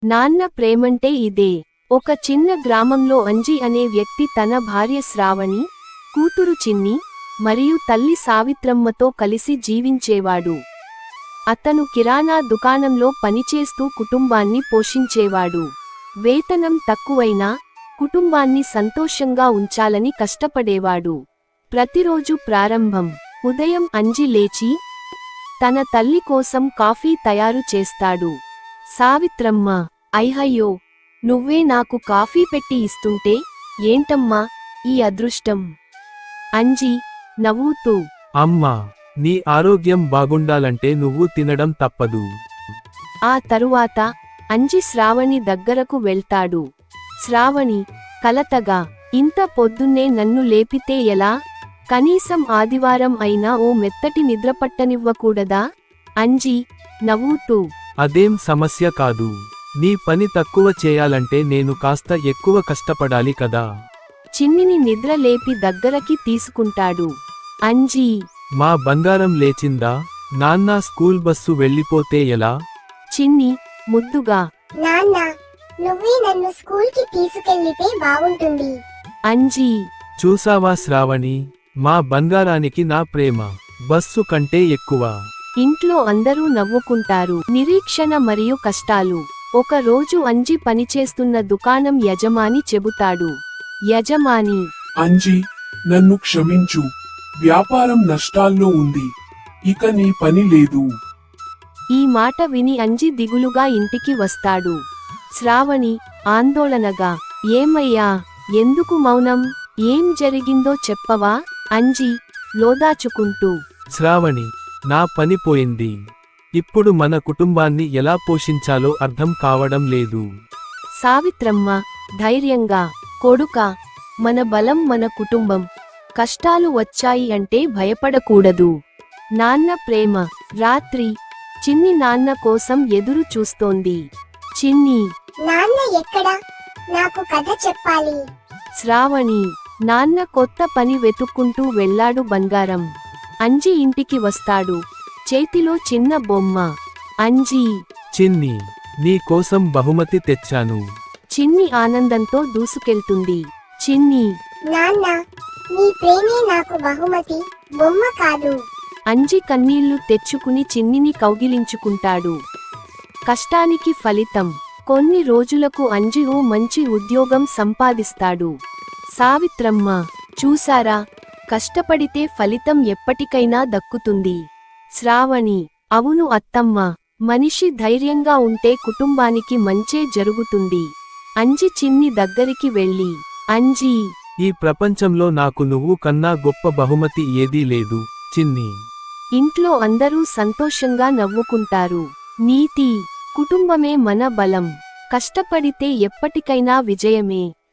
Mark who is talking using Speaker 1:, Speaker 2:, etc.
Speaker 1: నాన్న ప్రేమంటే ఇదే. ఒక చిన్న గ్రామంలో అంజి అనే వ్యక్తి తన భార్య శ్రావణి, కూతురు చిన్ని, మరియు తల్లి సావిత్రమ్మతో కలిసి జీవించేవాడు. అతను కిరాణా దుకాణంలో పనిచేస్తూ కుటుంబాన్ని పోషించేవాడు. వేతనం తక్కువైనా కుటుంబాన్ని సంతోషంగా ఉంచాలని కష్టపడేవాడు. ప్రతిరోజు ప్రారంభం. ఉదయం అంజి లేచి తన తల్లి కోసం కాఫీ తయారు చేస్తాడు. సావిత్రమ్మ, అయ్యయ్యో, నువ్వే నాకు కాఫీ పెట్టి ఇస్తుంటే ఏంటమ్మా ఈ అదృష్టం? అంజి నవ్వుతూ,
Speaker 2: అమ్మా, నీ ఆరోగ్యం బాగుండాలంటే నువ్వు తినడం తప్పదు.
Speaker 1: ఆ తరువాత అంజి శ్రావణి దగ్గరకు వెళ్తాడు. శ్రావణి కలతగా, ఇంత పొద్దున్నే నన్ను లేపితే ఎలా? కనీసం ఆదివారం అయినా ఓ మెత్తటి నిద్రపట్టనివ్వకూడదా? అంజి నవ్వుతూ,
Speaker 2: అదేం సమస్య కాదు. నీ పని తక్కువ చేయాలంటే నేను కాస్త ఎక్కువ కష్టపడాలి కదా.
Speaker 1: చిన్నిని నిద్ర లేపి దగ్గరకి తీసుకుంటాడు. అంజి,
Speaker 2: మా బంగారం లేచిందా? నాన్న స్కూల్ బస్సు వెళ్ళిపోతే ఎలా?
Speaker 1: చిన్ని ముద్దుగా,
Speaker 3: నాన్న, నువ్వే నన్ను స్కూల్కి తీసుకెళ్లితే బాగుంటుంది.
Speaker 1: అంజి,
Speaker 2: చూసావా శ్రావణి, మా బంగారానికి నా ప్రేమ బస్సు కంటే ఎక్కువ.
Speaker 1: ఇంట్లో అందరూ నవ్వుకుంటారు. నిరీక్షణ మరియు కష్టాలు. ఒక రోజు అంజి పనిచేస్తున్న దుకాణం యజమాని చెబుతాడు. యజమాని,
Speaker 4: అంజి, నన్ను క్షమించు. వ్యాపారం నష్టాల్లో ఉంది. ఇక నీ పని లేదు.
Speaker 1: ఈ మాట విని అంజి దిగులుగా ఇంటికి వస్తాడు. శ్రావణి ఆందోళనగా, ఏమయ్యా, ఎందుకు మౌనం? ఏం జరిగిందో చెప్పవా? అంజి లోదాచుకుంటూ,
Speaker 2: శ్రావణి, నా పని పోయింది. ఇప్పుడు మన కుటుంబాన్ని ఎలా పోషించాలో అర్థం కావడం లేదు.
Speaker 1: సావిత్రమ్మ ధైర్యంగా, కొడుకా, మన బలం మన కుటుంబం. కష్టాలు వచ్చాయి అంటే భయపడకూడదు. నాన్న ప్రేమ. రాత్రి చిన్ని నాన్న కోసం ఎదురు చూస్తోంది. చిన్ని,
Speaker 3: నాన్న ఎక్కడా? నాకు కథ చెప్పాలి.
Speaker 1: శ్రావణి, నాన్న కొత్త పని వెతుక్కుంటూ వెళ్ళాడు. బంగారం. అంజి ఇంటికి వస్తాడు. చేతిలో చిన్న బొమ్మ. అంజి,
Speaker 2: చిన్ని, నీ కోసం బహుమతి తెచ్చాను.
Speaker 1: చిన్ని ఆనందంతో దూసుకెళ్తుంది. చిన్ని,
Speaker 3: నాన్న, నీ ప్రేమే నాకు బహుమతి, బొమ్మ కాదు.
Speaker 1: అంజి కన్నీళ్లు తెచ్చుకుని చిన్నిని కౌగిలించుకుంటాడు. కష్టానికి ఫలితం. కొన్ని రోజులకు అంజి ఓ మంచి ఉద్యోగం సంపాదిస్తాడు. సావిత్రమ్మ, చూసారా, కష్టపడితే ఫలితం ఎప్పటికైనా దక్కుతుంది. శ్రావణి, అవును అత్తమ్మ, మనిషి ధైర్యంగా ఉంటే కుటుంబానికి మంచే జరుగుతుంది. అంజి చిన్ని దగ్గరికి వెళ్ళి, అంజీ,
Speaker 2: ఈ ప్రపంచంలో నాకు నువ్వు కన్నా గొప్ప బహుమతి ఏదీ లేదు, చిన్ని.
Speaker 1: ఇంట్లో అందరూ సంతోషంగా నవ్వుకుంటారు. నీతి. కుటుంబమే మన బలం. కష్టపడితే ఎప్పటికైనా విజయమే.